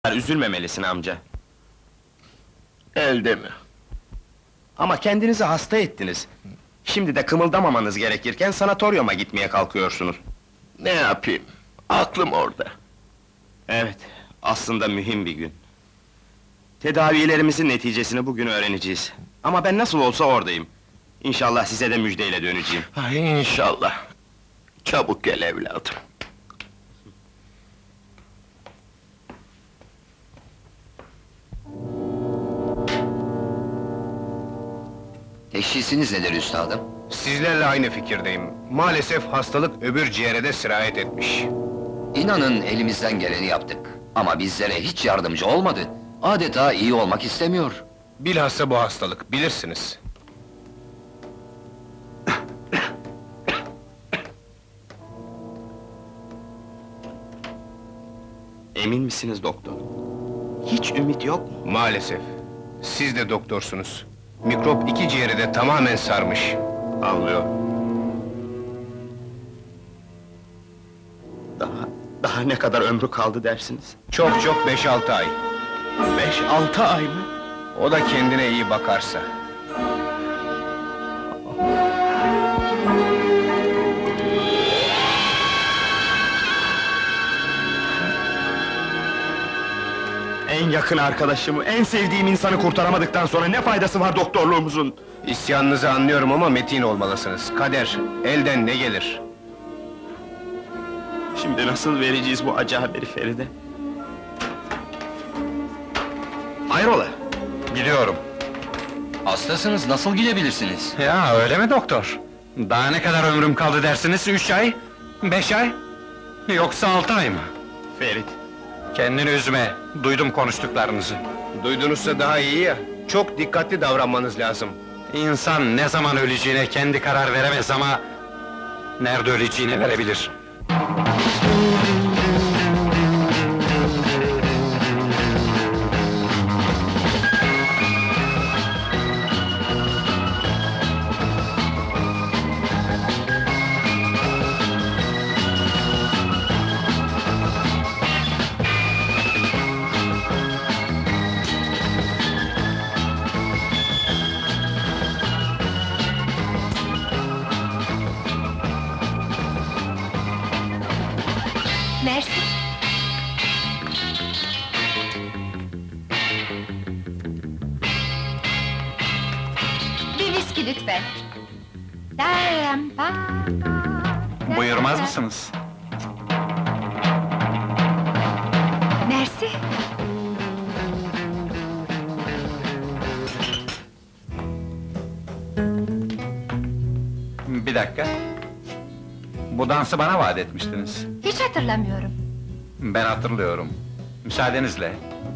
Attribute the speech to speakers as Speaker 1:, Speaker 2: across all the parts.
Speaker 1: Üzülmemelisin amca.
Speaker 2: Elde mi?
Speaker 1: Ama kendinizi hasta ettiniz. Şimdi de kımıldamamanız gerekirken sanatoryuma gitmeye kalkıyorsunuz.
Speaker 2: Ne yapayım? Aklım orada.
Speaker 1: Evet, aslında mühim bir gün. Tedavilerimizin neticesini bugün öğreneceğiz. Ama ben nasıl olsa oradayım. İnşallah size de müjdeyle döneceğim.
Speaker 2: Ay inşallah. Çabuk gel evladım.
Speaker 3: Teşhisiniz nedir üstadım?
Speaker 4: Sizlerle aynı fikirdeyim. Maalesef hastalık öbür ciğere de sirayet etmiş.
Speaker 3: İnanın elimizden geleni yaptık. Ama bizlere hiç yardımcı olmadı. Adeta iyi olmak istemiyor.
Speaker 4: Bilhassa bu hastalık, bilirsiniz.
Speaker 1: Emin misiniz doktor? Hiç ümit yok mu?
Speaker 4: Maalesef. Siz de doktorsunuz. Mikrop iki ciğeri de tamamen sarmış.
Speaker 1: Anlıyor. Daha ne kadar ömrü kaldı dersiniz?
Speaker 4: Çok çok 5-6 ay.
Speaker 1: 5-6 ay mı?
Speaker 4: O da kendine iyi bakarsa.
Speaker 1: En yakın arkadaşımı, en sevdiğim insanı kurtaramadıktan sonra ne faydası var doktorluğumuzun?
Speaker 4: İsyanınızı anlıyorum ama metin olmalısınız. Kader, elden ne gelir?
Speaker 1: Şimdi nasıl vereceğiz bu acı haberi Feride? Hayrola?
Speaker 4: Gidiyorum.
Speaker 3: Hastasınız, nasıl gidebilirsiniz?
Speaker 5: Ya öyle mi doktor? Daha ne kadar ömrüm kaldı dersiniz? 3 ay? 5 ay? Yoksa 6 ay mı?
Speaker 1: Ferit,
Speaker 5: Kendini üzme, duydum konuştuklarınızı.
Speaker 4: Duydunuzsa daha iyi ya. Çok dikkatli davranmanız lazım.
Speaker 5: İnsan ne zaman öleceğine kendi karar veremez ama... ...nerede öleceğini verebilir.
Speaker 6: Mersi. Bir viski lütfen.
Speaker 5: Buyurmaz mısınız?
Speaker 6: Mersi.
Speaker 5: Bir dakika. Bu dansı bana vaat etmiştiniz.
Speaker 6: Hiç hatırlamıyorum.
Speaker 5: Ben hatırlıyorum. Müsaadenizle.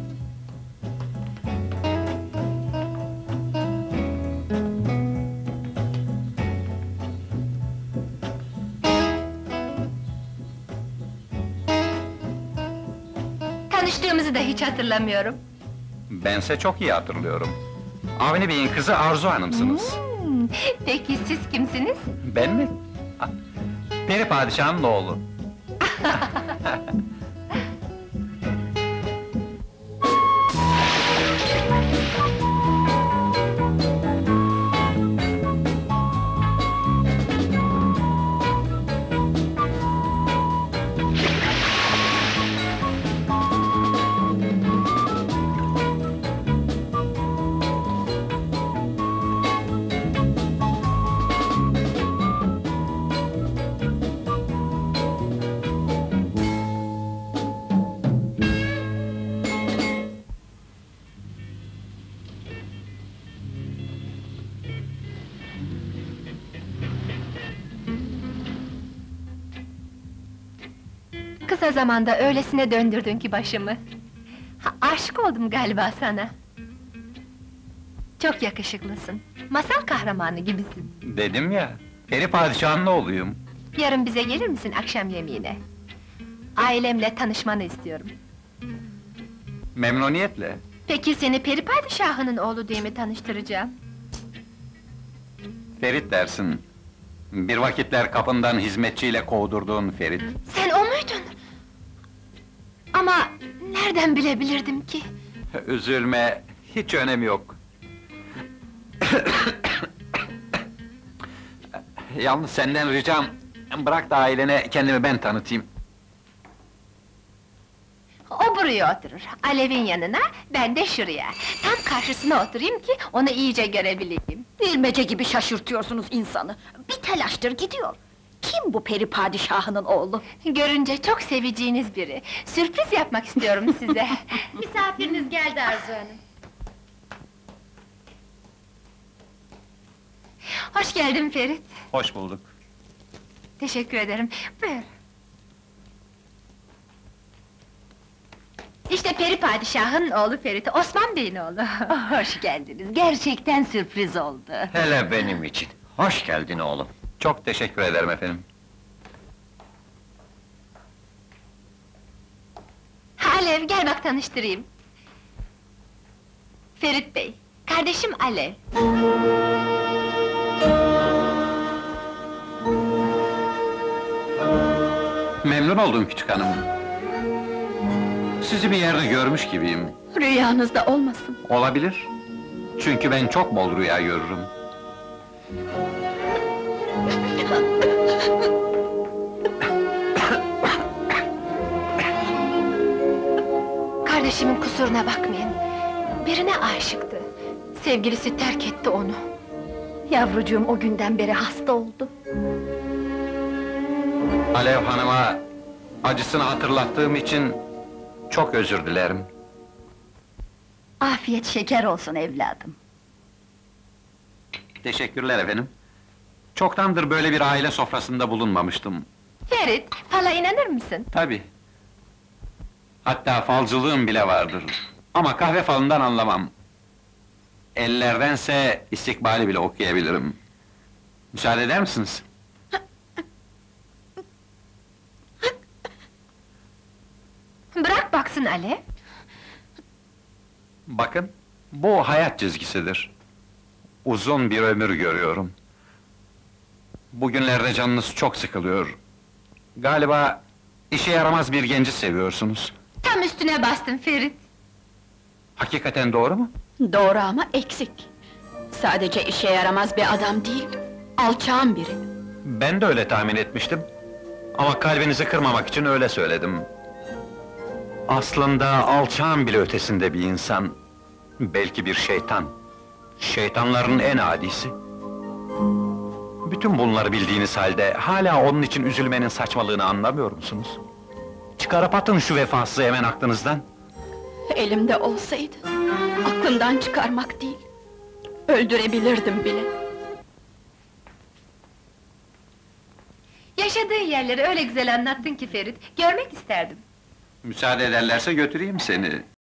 Speaker 6: Tanıştığımızı da hiç hatırlamıyorum.
Speaker 5: Bense çok iyi hatırlıyorum. Avni Bey'in kızı Arzu Hanım'sınız.
Speaker 6: Peki siz kimsiniz?
Speaker 5: Ben mi? Ah, Peri Padişah'ın oğlu.
Speaker 6: Kısa zamanda öylesine döndürdün ki başımı. Aşık oldum galiba sana. Çok yakışıklısın. Masal kahramanı gibisin.
Speaker 5: Dedim ya, Peri Padişah'ın oğluyum.
Speaker 6: Yarın bize gelir misin akşam yemeğine? Ailemle tanışmanı istiyorum.
Speaker 5: Memnuniyetle.
Speaker 6: Peki seni peri padişahının oğlu diye mi tanıştıracağım?
Speaker 5: Ferit dersin. Bir vakitler kapından hizmetçiyle kovdurduğun Ferit.
Speaker 6: Sen o muydun? Ama nerede Nereden bilebilirdim ki?
Speaker 5: Üzülme, hiç önemi yok. Yalnız senden ricam, bırak da ailene kendimi ben tanıtayım.
Speaker 6: O buraya oturur, Alev'in yanına, ben de şuraya. Tam karşısına oturayım ki onu iyice görebileyim.
Speaker 7: Bilmece gibi şaşırtıyorsunuz insanı. Bir telaştır gidiyor. Kim bu peri padişahının oğlu?
Speaker 6: Görünce çok seveceğiniz biri. Sürpriz yapmak istiyorum size. Misafiriniz geldi Arzu Hanım. Hoş geldin Ferit.
Speaker 5: Hoş bulduk.
Speaker 6: Teşekkür ederim. Buyur. İşte peri padişahın oğlu Ferit, Osman Bey'in oğlu.
Speaker 7: Hoş geldiniz. Gerçekten sürpriz oldu.
Speaker 3: Hele benim için. Hoş geldin oğlum.
Speaker 5: Çok teşekkür ederim efendim.
Speaker 6: Alev, gel bak tanıştırayım. Ferit Bey, kardeşim Alev.
Speaker 5: Memnun oldum küçük hanım. Sizi bir yerde görmüş gibiyim.
Speaker 7: Rüyanızda olmasın.
Speaker 5: Olabilir. Çünkü ben çok bol rüya görürüm.
Speaker 6: Kardeşimin kusuruna bakmayın. Birine aşıktı. Sevgilisi terk etti onu.
Speaker 7: Yavrucuğum o günden beri hasta oldu.
Speaker 5: Alev Hanım'a acısını hatırlattığım için çok özür dilerim.
Speaker 7: Afiyet şeker olsun evladım.
Speaker 5: Teşekkürler efendim. Çoktandır böyle bir aile sofrasında bulunmamıştım.
Speaker 6: Ferit, fala inanır mısın?
Speaker 5: Tabii. Hatta falcılığım bile vardır. Ama kahve falından anlamam. Ellerdense istikbali bile okuyabilirim. Müsaade eder misiniz?
Speaker 6: Bırak baksın Alev.
Speaker 5: Bakın, bu hayat çizgisidir. Uzun bir ömür görüyorum. Bugünlerde canınız çok sıkılıyor. Galiba işe yaramaz bir genci seviyorsunuz.
Speaker 6: Tam üstüne bastın Ferit.
Speaker 5: Hakikaten doğru mu?
Speaker 7: Doğru ama eksik. Sadece işe yaramaz bir adam değil, alçağın biri.
Speaker 5: Ben de öyle tahmin etmiştim. Ama kalbinizi kırmamak için öyle söyledim. Aslında alçağın bile ötesinde bir insan. Belki bir şeytan. Şeytanların en adisi. Bütün bunları bildiğiniz halde, hala onun için üzülmenin saçmalığını anlamıyor musunuz? Çıkarıp atın şu vefasızı hemen aklınızdan.
Speaker 7: Elimde olsaydı, aklımdan çıkarmak değil, öldürebilirdim bile.
Speaker 6: Yaşadığı yerleri öyle güzel anlattın ki Ferit, görmek isterdim.
Speaker 5: Müsaade ederlerse götüreyim seni.